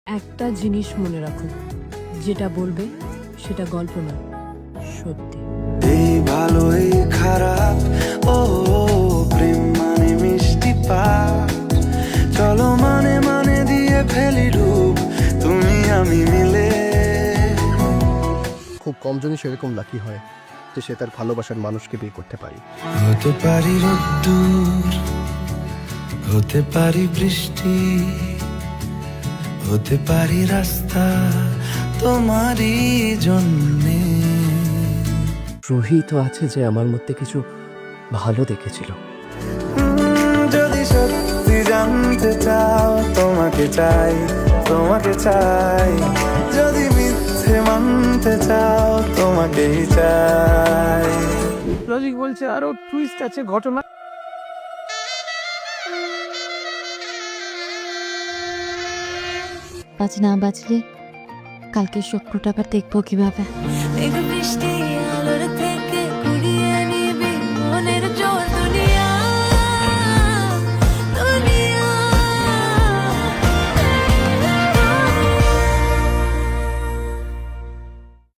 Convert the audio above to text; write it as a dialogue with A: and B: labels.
A: একটা জিনিস মনে রাখো, যেটা বলবে সেটা গল্প নয়, সত্যি।
B: এই ভালো এই খারাপ, ও প্রেম মানে মিষ্টি পাপ। চলো মানে মানে দিয়ে ফেলি ডুব, তুমি আমি মিলে।
C: খুব কম জনই সেরকম লাকি হয় যে সে তার ভালোবাসার মানুষকে বিয়ে করতে পারে।
B: হতে পারি রোদ্দুর, হতে পারি বৃষ্টি, হতে পারি রাস্তা তোমারই জন্যে।
C: রুহি তো আছে যে আমার মধ্যে কিছু ভালো দেখেছিল।
B: যদি সত্যি জানতে চাও, তোমাকে চাই, তোমাকে চাই। যদি মিথ্যে মানতে চাও, তোমাকেই চাই।
D: লজিক বলছে আরো টুইস্ট আছে ঘটনা।
E: আজ না বাঁচলে কালকে স্বপ্নটা আবার দেখবো কিভাবে?
F: বৃষ্টি আলোর থেকে